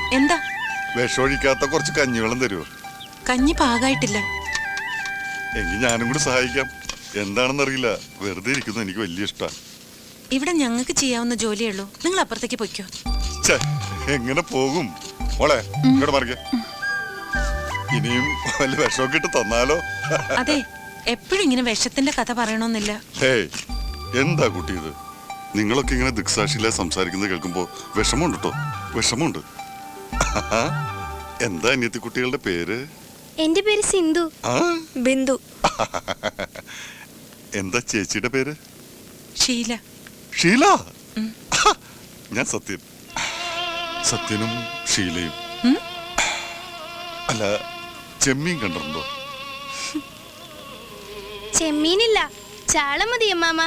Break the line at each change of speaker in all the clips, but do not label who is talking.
എന്താ?
വിഷമൊഴിക്കാത്ത കുറച്ച് കഞ്ഞിവെള്ളം തരുമോ?
കഞ്ഞി പാകായിട്ടില്ല.
എങ്കിൽ ഞാനും കൂടി സഹായിക്കാം. എന്താണെന്നറിയില്ല, വെറുതെ ഇരിക്കുന്നത് എനിക്ക് വലിയ ഇഷ്ടമാണ്.
ഇവിടെ ഞങ്ങൾക്ക് ചെയ്യാവുന്ന ജോലിയേ ഉള്ളൂ. നിങ്ങൾ അപ്പുറത്തേക്ക് പൊയ്ക്കോ.
എങ്ങനെ പോകും മോളെ? ഇങ്ങോട്ട് മറിക്ക. ഇനിയും വല്ല വിഷമൊക്കെ ഇട്ട് തന്നാലോ?
അതെ, എപ്പോഴും ഇങ്ങനെ വിഷത്തിന്റെ കഥ പറയണമെന്നില്ല.
ഹേയ്, എന്താ കുട്ടി ഇത്? നിങ്ങളൊക്കെ ഇങ്ങനെ ദിക്സാക്ഷിയിലെ സംസാരിക്കുന്നത് കേൾക്കുമ്പോ വിഷമമുണ്ട് കേട്ടോ, വിഷമമുണ്ട്. എന്താ അനിയത്തി കുട്ടികളുടെ പേര്?
എന്റെ പേര് സിന്ധു. ബിന്ദു.
എന്താ ചേച്ചിയുടെ പേര്?
ഷീല.
ഷീല? ഞാൻ സത്യൻ. സത്യനും ഷീലയും. അല്ല, ചെമ്മീൻ കണ്ടിട്ടുണ്ടോ?
ചെമ്മീനില്ല, ചാള മതി അമ്മാമ.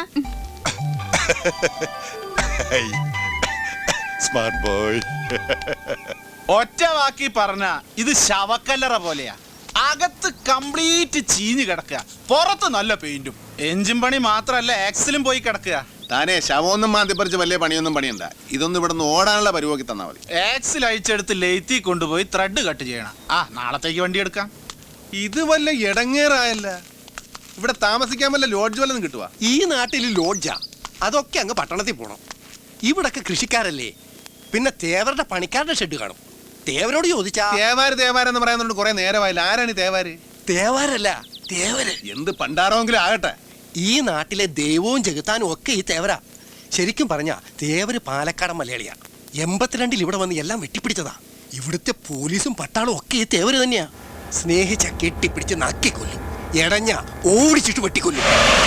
Smart boy.
ഒറ്റ വാക്കി പറഞ്ഞ ഇത് ശവക്കല്ലറ പോലെയാ. അകത്ത് കംപ്ലീറ്റ് ചീഞ്ഞു കിടക്കുക, പുറത്ത് നല്ല പെയിന്റും. എഞ്ചിൻ പണി മാത്രല്ല, ആക്സിലും പോയി കിടക്കുക.
താനേ ശവമൊന്നും മാന്തിപ്പറിച്ച് വലിയ പണിയൊന്നും പണിയണ്ട. ഇതൊന്നും ഇവിടെ നിന്ന് ഓടാനുള്ള പരിപാടി തന്നാ മതി.
ആക്സിൽ അഴിച്ചെടുത്ത് ലെയ്ത്തി കൊണ്ടുപോയി ത്രെഡ് കട്ട് ചെയ്യണം. നാളത്തേക്ക് വണ്ടി എടുക്കാം.
ഇത് വല്ല ഇടങ്ങേറായല്ല. ഇവിടെ താമസിക്കാൻ വല്ല ലോഡ്ജ് വല്ലതും കിട്ടുക?
ഈ നാട്ടിൽ ലോഡ്ജാ? അതൊക്കെ അങ്ങ് പട്ടണത്തിൽ പോണം. ഇവിടൊക്കെ കൃഷിക്കാരല്ലേ, പിന്നെ തേവരുടെ പണിക്കാരുടെ ഷെഡ് കാണും. തേവരോട് ചോദിച്ചാ
തേവാരെന്ന് പറയുന്നുണ്ട് കുറെ നേരമായില്ല. ആരാണ് തേവാര്?
തേവാരല്ല, തേവര്.
എന്ത് പണ്ടാറോങ്കിലും ആകട്ടെ,
ഈ നാട്ടിലെ ദൈവവും ജഗത്താനും ഒക്കെ ഈ തേവരാ. ശരിക്കും പറഞ്ഞാ തേവര് പാലക്കാടൻ മലയാളിയാ. 82-ൽ ഇവിടെ വന്ന് എല്ലാം വെട്ടിപ്പിടിച്ചതാ. ഇവിടുത്തെ പോലീസും പട്ടാളും ഒക്കെ ഈ തേവര് തന്നെയാ. സ്നേഹിച്ച കെട്ടിപ്പിടിച്ച് നക്കിക്കൊല്ലും, എടഞ്ഞ ഓടിച്ചിട്ട് വെട്ടിക്കൊല്ലും.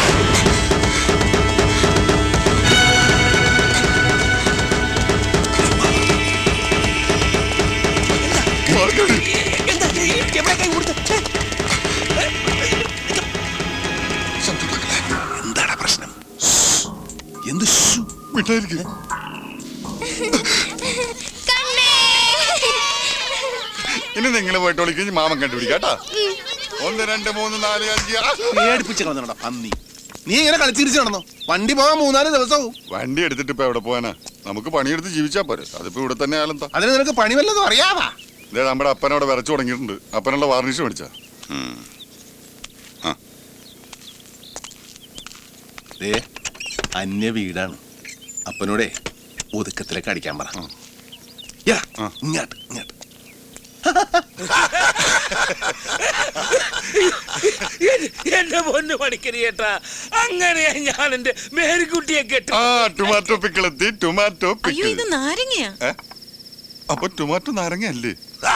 എന്താണ് പ്രശ്നം? എന്ത്
വിട്ടായിരിക്കും. ഇനി നിങ്ങൾ പോയിട്ട് വിളിക്കും, മാമൻ കണ്ടുപിടിക്കാട്ടാ. 1 2 3 4 5
പേടിപ്പിച്ച് കളഞ്ഞോടാ പന്നി. നീ ഇങ്ങനെ കളിച്ചിരിച്ചു നടന്നോ? വണ്ടി പോകാൻ 3-4 ദിവസവും.
വണ്ടി എടുത്തിട്ട് ഇപ്പൊ എവിടെ പോവാനാ? നമുക്ക് പണിയെടുത്ത് ജീവിച്ചാ പോരെ. അതിപ്പോ ഇവിടെ തന്നെ ആയാലെന്താ?
അതിന് നിനക്ക് പണി വല്ലതും അറിയാവാ?
ഇതേ നമ്മുടെ അപ്പനവിടെ വിറച്ചു തുടങ്ങിയിട്ടുണ്ട്. അപ്പനുള്ള വാർണിഷ് മേടിച്ചാ.
അന്യ വീടാണ്. അപ്പനോടെ ഒതുക്കത്തിലേക്ക് അടിക്കാൻ പറ. ഇങ്ങോട്ട് ഇങ്ങോട്ട്.
എന്റെ പൊന്നു പണിക്കരി ചേട്ടാ, അങ്ങനെയാ ഞാൻ എന്റെ മേരിക്കുട്ടിയെ കേട്ടു.
ടൊമാറ്റോ പിക്കിളെത്തി. ടൊമാറ്റോ
അയ്യോ, ഇത് നാരങ്ങയാ.
അപ്പൊ ടൊമാറ്റോ നാരങ്ങയല്ലേ?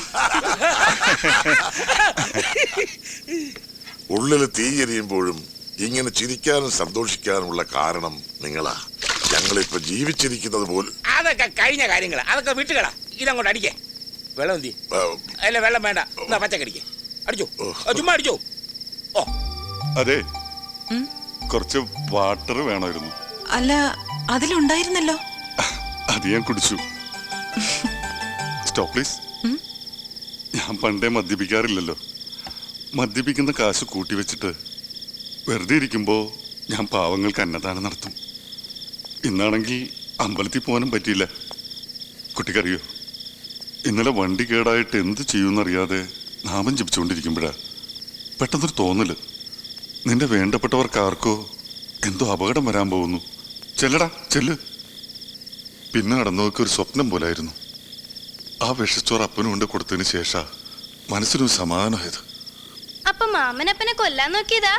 ഉള്ളിൽ തീയെരിയുമ്പോഴും ഇങ്ങനെ ചിരിക്കാനും സന്തോഷിക്കാനുമുള്ള കാരണം നിങ്ങളാ. ഞങ്ങളിപ്പോ ജീവിച്ചിരിക്കുന്നത് പോലും.
അതൊക്കെ കഴിഞ്ഞ കാര്യങ്ങളാ, അതൊക്കെ വിട്ടുകളാ. ഇതങ്ങോട്ട് അടിക്കേ. വെള്ളം എന്തി? അല്ല, വെള്ളം വേണ്ട, എന്നാ പച്ചക്കടിക്കേ. അടിച്ചോ, ചുമ്മാ അടിച്ചോ. ഓ
അതെ, കുറച്ച് വാട്ടർ വേണമായിരുന്നു.
അല്ല, അതിലുണ്ടായിരുന്നല്ലോ.
അത് ഞാൻ കുടിച്ചു. Stop please. ഞാൻ പണ്ടേ മദ്യപിക്കാറില്ലല്ലോ. മദ്യപിക്കുന്ന കാശ് കൂട്ടി വെച്ചിട്ട് വെറുതെ ഇരിക്കുമ്പോ ഞാൻ പാവങ്ങൾക്ക് അന്നദാനം നടത്തും. ഇന്നാണെങ്കിൽ അമ്പലത്തിൽ പോകാനും പറ്റിയില്ല. കുട്ടിക്കറിയോ, ഇന്നലെ വണ്ടി കേടായിട്ട് എന്ത് ചെയ്യുമെന്നറിയാതെ നാമം ജപിച്ചുകൊണ്ടിരിക്കുമ്പോഴാ പെട്ടെന്നൊരു തോന്നല്. നിന്റെ വേണ്ടപ്പെട്ടവർക്ക് ആർക്കോ എന്തോ അപകടം വരാൻ പോകുന്നു. ചെല്ലടാ, ചെല്ല്. പിന്നെ നടന്നതൊക്കെ ഒരു സ്വപ്നം പോലായിരുന്നു. ആ വിഷച്ചോറ് അപ്പനും കൊണ്ട് കൊടുത്തതിന് ശേഷം മനസ്സിനൊരു സമാധാനമായത്.
അപ്പൊ മാമനപ്പനെ കൊല്ലാൻ നോക്കിയതാ?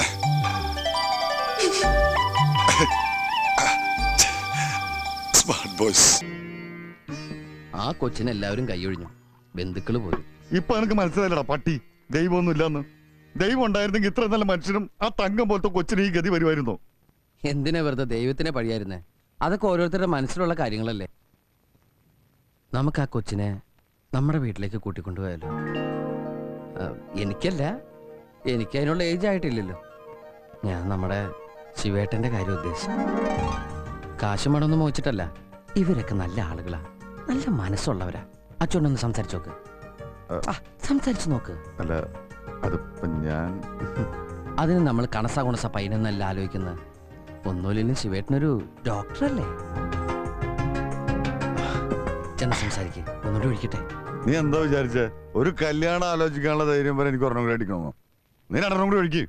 Smart boys.
ആ കൊച്ചിനെ എല്ലാവരും കൈയൊഴിഞ്ഞു, ബന്ധുക്കള് പോലും.
ഇപ്പൊ എനിക്ക് മനസ്സിലായില്ലടാ പട്ടി, ദൈവമൊന്നും ഇല്ലാന്ന്. ദൈവം ഉണ്ടായിരുന്നെങ്കിൽ ഇത്ര നല്ല മനുഷ്യനും ആ തങ്കം പോലത്തെ കൊച്ചിന് ഈ ഗതി വരുമായിരുന്നോ?
എന്തിനാ വെറുതെ ദൈവത്തിനെ പഴിയായിരുന്നേ? അതൊക്കെ ഓരോരുത്തരുടെ മനസ്സിലുള്ള കാര്യങ്ങളല്ലേ. നമുക്ക് ആ കൊച്ചിനെ നമ്മുടെ വീട്ടിലേക്ക് കൂട്ടിക്കൊണ്ടുപോയാലോ? എനിക്കല്ല, എനിക്ക് അതിനുള്ള ഏജ് ആയിട്ടില്ലല്ലോ. ഞാൻ നമ്മുടെ ശിവേട്ടന്റെ കാര്യം ഉദ്ദേശിച്ചു. കാശ് മടൊന്നും മോഹിച്ചിട്ടല്ല. ഇവരൊക്കെ നല്ല ആളുകളാ, നല്ല മനസ്സുള്ളവരാ. അച്ഛനൊന്ന് സംസാരിച്ചു നോക്ക്. സംസാരിച്ചു നോക്ക്.
അല്ല, അതിപ്പോ ഞാൻ
അതിന് നമ്മൾ കണസ കുണസ പൈനെന്നല്ല ആലോചിക്കുന്നത്. ഒന്നുമില്ലെങ്കിലും ശിവേട്ടനൊരു ഡോക്ടറല്ലേ? ചെന്ന് സംസാരിക്കേ ഒന്നുകൂടി വിളിക്കട്ടെ.
നീ എന്താ വിചാരിച്ചേ? ഒരു കല്യാണം ആലോചിക്കാനുള്ള ധൈര്യം വരെ എനിക്ക് ഒരെണ്ണം കൂടി അടിക്കണമോ? നീ രണ്ടെണ്ണം കൂടി ഒഴിക്ക്.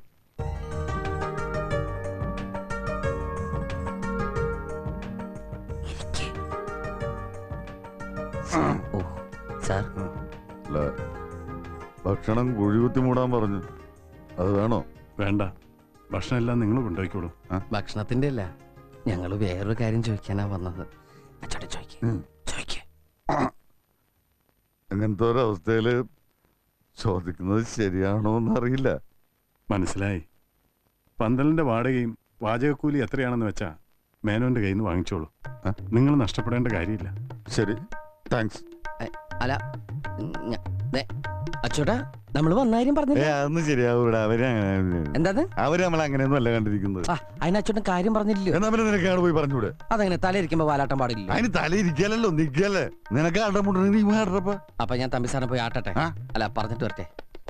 ഓ സാർ,
അല്ല, ഭക്ഷണം കുഴികുത്തി മൂടാൻ പറഞ്ഞു. അത് വേണോ?
വേണ്ട, ഭക്ഷണം എല്ലാം നിങ്ങൾ കൊണ്ടുപോയിക്കോളൂ.
ഭക്ഷണത്തിന്റെ അല്ല, ഞങ്ങള് വേറൊരു കാര്യം ചോദിക്കാനാ വന്നത്. അച്ചോട്ടെ ചോദിക്കേ.
അങ്ങനത്തെ ഒരവസ്ഥയില് ചോദിക്കുന്നത് ശരിയാണോ എന്നറിയില്ല.
മനസ്സിലായി. പന്തലിന്റെ വാടകയും വാചകക്കൂലി എത്രയാണെന്ന് വെച്ചാ മേനോന്റെ കയ്യിൽ നിന്ന് വാങ്ങിച്ചോളൂ. നിങ്ങൾ നഷ്ടപ്പെടേണ്ട കാര്യമില്ല.
ശരി, താങ്ക്സ്.
അല്ല അച്ചോട്ടാ, നമ്മള് വന്നാരും പറഞ്ഞില്ല.
അതൊന്നും ശരിയാവൂടാ.
എന്താ
അവര് നമ്മൾ അങ്ങനെയൊന്നും അല്ല കണ്ടിരിക്കുന്നത്.
അതിന് അച്ചോട്ടൻ കാര്യം പറഞ്ഞില്ലല്ലോ.
എന്നാ പിന്നെ നിനക്കാണ് പോയി പറഞ്ഞൂടെ?
അതങ്ങനെ തലയിരിക്കുമ്പോ വാലാട്ടം പാടില്ല.
അതിന് തലയിരിക്കലല്ലോ, നിക്കല്ലേ. നിനക്ക് ആട്ടമുണ്ടെങ്കിൽ നീ ആടറപ്പ.
അപ്പൊ ഞാൻ തമ്പി സാറിനെ പോയി ആട്ടട്ടെ. അല്ല, പറഞ്ഞിട്ട് വരട്ടെ.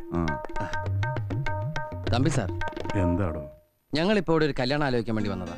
തമ്പി സാർ,
എന്താടോ?
ഞങ്ങളിപ്പോ ഇവിടെ ഒരു കല്യാണം ആലോചിക്കാൻ വേണ്ടി വന്നതാ.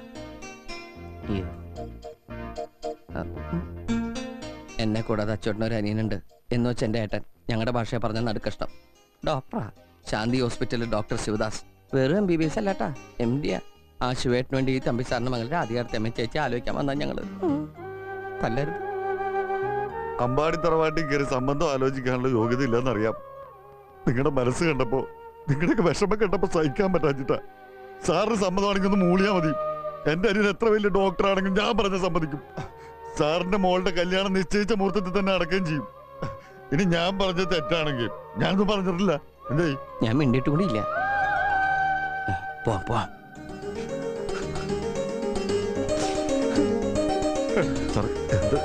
എന്നെ കൂടാതെ അച്ചോട്ടനൊരു അനിയനുണ്ട് എന്ന് വെച്ച് എന്റെ ഏട്ടൻ. ഞങ്ങളുടെ ഭാഷയെ പറഞ്ഞ നടുക്കഷ്ടം. ഡോക്ടറാ, ശാന്തി ഹോസ്പിറ്റലിൽ ഡോക്ടർ ശിവദാസ്. വെറും MBBS അല്ലാട്ടാ, MD. ആ ശിവേട്ടിന് വേണ്ടി ഈ തമ്പി സാറിന് മകളുടെ അധികാരത്തെ അമ്മ ചേച്ചി ആലോചിക്കാൻ വന്നാൽ ഞങ്ങള് തല്ലരുത്.
അമ്പാടി തറവാട്ടിൽ കയറി സംബന്ധം ആലോചിക്കാനുള്ള യോഗ്യത ഇല്ലെന്നറിയാം. നിങ്ങളുടെ മനസ്സ് കണ്ടപ്പോ, നിങ്ങളുടെയൊക്കെ വിഷമം കണ്ടപ്പോ സഹിക്കാൻ പറ്റാച്ചിട്ടാ. സാറിന് സമ്മതമാണെങ്കിൽ ഒന്ന് മൂളിയാ മതി. എന്റെ അനിയൻ എത്ര വലിയ ഡോക്ടറാണെങ്കിലും ഞാൻ പറഞ്ഞ സമ്മതിക്കും. സാറിന്റെ മോളുടെ കല്യാണം നിശ്ചയിച്ച മുഹൂർത്തത്തിൽ തന്നെ അടക്കുകയും ചെയ്യും. ഇനി ഞാൻ പറഞ്ഞത് തെറ്റാണെങ്കിൽ ഞാനൊന്നും പറഞ്ഞിട്ടില്ല. എന്തേ?
ഞാൻ മിണ്ടിട്ട് കൂടി ഇല്ല. പോവാം.
സാർ, എന്ത്?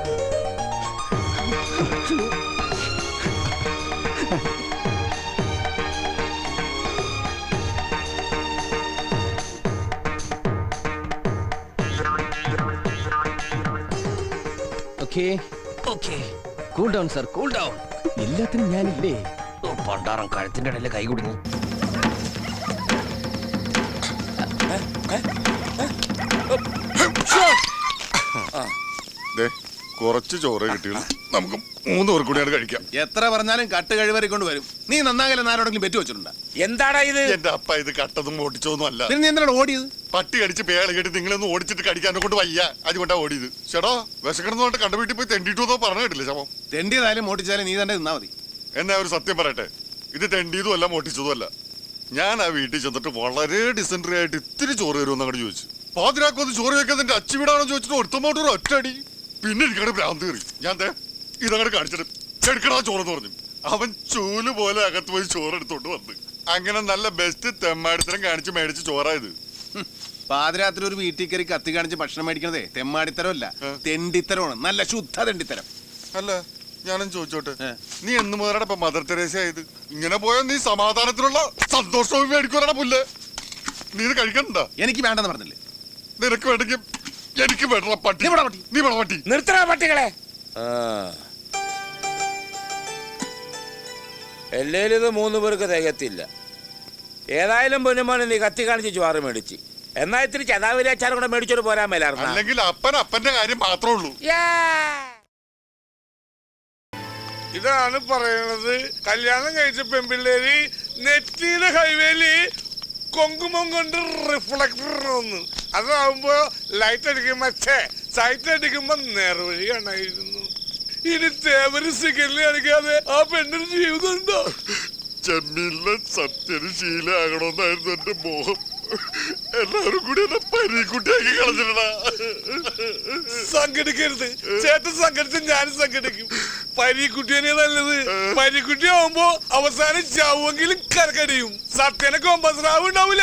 Cool down sir, cool down. എല്ലാത്തിനും ഞാനില്ലേ. പണ്ടാറം കഴുത്തിന്റെ ഇടയിൽ കൈ കുടുങ്ങി.
കുറച്ച് ചോറ് കിട്ടിയുള്ളൂ. നമുക്ക് 3 പേർ കൂടിയാണ് കഴിക്കാം.
എത്ര പറഞ്ഞാലും കട്ട് കഴിവറി കൊണ്ട് വരും. നീ നന്നാകലെ ആരോടെങ്കിലും പെറ്റു വെച്ചിട്ടുണ്ടാ?
എന്താടാ ഇത്?
എന്റെ അപ്പ ഇത് കട്ടതും ഓടിച്ചോന്നും അല്ല.
പിന്നെ നീ എന്തിനാണ് ഓടിയത്?
പട്ടി കടിച്ച് പേള് കേട്ട് നിങ്ങളൊന്ന് ഓടിച്ചിട്ട് കടിക്കാനെ കൊണ്ട് വയ്യ, അതുകൊണ്ടാ ഓടിയത്. ചേട്ടോ, വിശക്കണമെന്ന് പറഞ്ഞിട്ട് കണ്ട വീട്ടിൽ പോയി തെണ്ടിട്ടു പറഞ്ഞു കേട്ടില്ല ശവം.
തെണ്ടിയതായാലും ഓടിച്ചാലും നീ തന്നെ നിന്നാ മതി.
എന്നാ ഒരു സത്യം പറയട്ടെ, ഇത് തെണ്ടിയതും അല്ല മോട്ടിച്ചതും അല്ല. ഞാൻ ആ വീട്ടിൽ ചെന്നിട്ട് വളരെ ഡിസെൻട്രി ആയിട്ട് ഇത്തിരി ചോറ് തരുമെന്ന് അങ്ങോട്ട് ചോദിച്ചു. പാതിരാക്കൊന്ന് ചോറ് വെക്കാൻ എന്റെ അച്ഛൻ വീടാണോ ചോദിച്ചിട്ട് ഒരുത്തമോട്ട് ഒരു ഒറ്റടി. പിന്നെ എനിക്കവിടെ ഭ്രാന്ത് കയറി. ഞാൻ ഇതങ്ങോട്ട് കാണിച്ചിട്ട് എടുക്കടാ ചോറെന്ന് പറഞ്ഞു. അവൻ ചൂല് പോലെ അകത്ത് പോയി ചോറ് എടുത്തോണ്ട് വന്ന്. അങ്ങനെ നല്ല ബെസ്റ്റ് തെമ്മാടിത്തരം കാണിച്ച് മേടിച്ച് ചോറായത്.
പാതിരാത്രി ഒരു വീട്ടിൽ കയറി കത്തി കാണിച്ച് ഭക്ഷണം മേടിക്കണതേ തെമ്മാടിത്തരമല്ല, തെണ്ടിത്തരമാണ്. നല്ല ശുദ്ധ തെണ്ടിത്തരം.
അല്ല, ഞാനും ചോദിച്ചോട്ടെ, നീ എന്ന് മുതലാണ് ഇപ്പൊ മദർ തെരേസ ആയത്? ഇങ്ങനെ പോയാൽ നീ സമാധാനത്തിനുള്ള സന്തോഷവും മേടിക്കുവാനാണ് പുല്ല്. നീ ഇത് കഴിക്കണ്ട.
എനിക്ക് വേണ്ടെന്ന് പറഞ്ഞില്ലേ?
നിനക്ക് വേണ്ടെങ്കിൽ എനിക്ക് വേണ്ട. പട്ടി നീ വേണം പട്ടി.
നിർത്തണ പട്ടികളെ. എല്ലേലും ഇത് 3 പേർക്ക് തികത്തില്ല. ഏതായാലും പൊന്നുമോനെ നീ കത്തി കാണിച്ച് ചോറ് മേടിച്ച്. എന്നാ ഇത്തിരി ചതാവിലെ അച്ചാറും കൂടെ മേടിച്ചോട് പോരാൻ മേലായിരുന്നു.
അല്ലെങ്കിൽ അപ്പന്റെ കാര്യം മാത്രമേ ഉള്ളൂ.
ഇതാണ് പറയണത്. കല്യാണം കഴിച്ച പെൺപിള്ളേര് നെറ്റിയിലെ ഹൈവേയില് കൊങ്കുമം കൊണ്ട് റിഫ്ലക്ടർ ഒന്ന്, അതാവുമ്പോ ലൈറ്റ് അടിക്കുമ്പോ സൈറ്റ് അടിക്കുമ്പോ നേർവഴി കാണായിരുന്നു. ഇനി തേവര് സിഗരറ്റ് അടിക്കാതെ ആ പെണ്ണിന് ജീവിതം ഉണ്ടോ?
ചെമ്മീനിലെ സത്യന് ശീലമാകണമെന്നായിരുന്നു എന്റെ മോഹം. എല്ലാവരും കൂടി എന്നെ പരീക്കുട്ടിയാക്കി കളഞ്ഞിട്ടാ.
സംഘടിക്കരുത് ചേട്ടൻ, സംഘടിച്ച് ഞാനും സംഘടിക്കും. പരീക്കുട്ടിയെ നല്ലത്. പരീക്കുട്ടി ആവുമ്പോ അവസാനം ചാവുമെങ്കിലും കരക്കടിയും. സത്യനെ കൊമ്പസ്രാവ് ഉണ്ടാവൂലേ?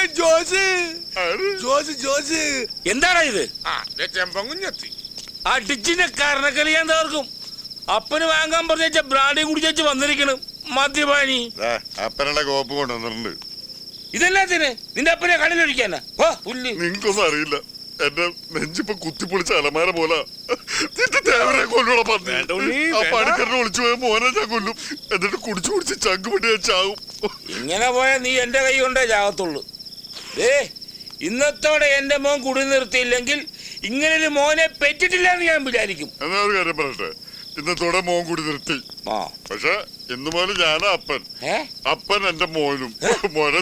ജോസ്
എന്താടാ ഇത്?
ചെമ്പങ്കുഞ്ഞെത്തി
അടിച്ചിന്റെ കരണക്കളി ഞാൻ തകർക്കും. അപ്പന് വാങ്ങാൻ പറഞ്ഞ ബ്രാഡി കുടിച്ചു വന്നിരിക്കണം മദ്യപാനി.
അപ്പനുള്ള കോപ്പ് കൊണ്ടുവന്നിട്ടുണ്ട്.
ഇതെല്ലാത്തിന് നിന്റെ അപ്പനെ കടലൊഴിക്കാനാ?
നിങ്ങൾക്കൊന്നും അറിയില്ല. എന്റെ നെഞ്ചിപ്പൊ കുത്തിപ്പൊളിച്ച അലമാര പോലെ കൊല്ലൂടെ പണിക്കറിനെ ഒളിച്ചു പോയ മോനെ ഞാൻ കൊല്ലും. എന്നിട്ട് കുടിച്ച് ചങ്കുപൊട്ടി ഞാൻ ചാവും.
ഇങ്ങനെ പോയാ നീ എന്റെ കൈ കൊണ്ടേ ചാകത്തുള്ളൂ. ഇന്നത്തോടെ എന്റെ മോൻ കുടി നിർത്തിയില്ലെങ്കിൽ ഇങ്ങനൊരു മോനെ പെറ്റിട്ടില്ല എന്ന് ഞാൻ വിചാരിക്കും.
എന്നാ ഒരു കാര്യം പറയട്ടെ,
ഇന്നത്തോടെ മോൻ കൂടി നിർത്തി. പക്ഷെ ഇന്ന് മുതൽ ഞാനാ അപ്പൻ. അപ്പൻ എന്റെ മോനും. മോനെ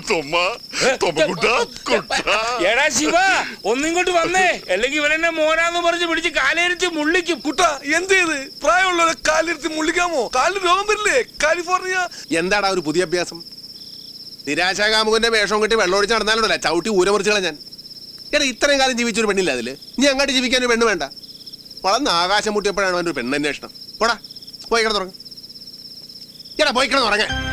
എടാ ശിവ ഒന്നിങ്ങോട്ട് വന്നേ, അല്ലെങ്കിൽ ഇവനെന്നെ മോനാന്ന് പറഞ്ഞ് പിടിച്ച് കാലേരിച്ച് മുള്ളിക്കും.
കുട്ട എന്ത് ചെയ്ത് പ്രായമുള്ളവരെ കാലിരുത്തി മുള്ളിക്കാമോ? കാലിന് രോഗം വരില്ലേ? കാലിഫോർണിയ.
എന്താടാ ഒരു പുതിയ അഭ്യാസം? നിരാശാകാമുകന്റെ വേഷം കെട്ടി വെള്ളമൊഴിച്ച് നടന്നാലുണ്ടല്ല ചവിട്ടി ഊരമുറിച്ചുകളെ ഞാൻ. എടാ ഇത്രയും കാലം ജീവിച്ചൊരു പെണ്ണില്ല അതില്. നീ അങ്ങോട്ട് ജീവിക്കാൻ ഒരു പെണ്ണ് വേണ്ട. വളർന്ന് ആകാശം മുട്ടിയപ്പോഴാണ് അവൻ്റെ ഒരു പെണ്ണന്വേഷണം. പോടാ പോയി കിടന്നുറങ്ങ. എടാ പോയി കിടന്നുറങ്ങ.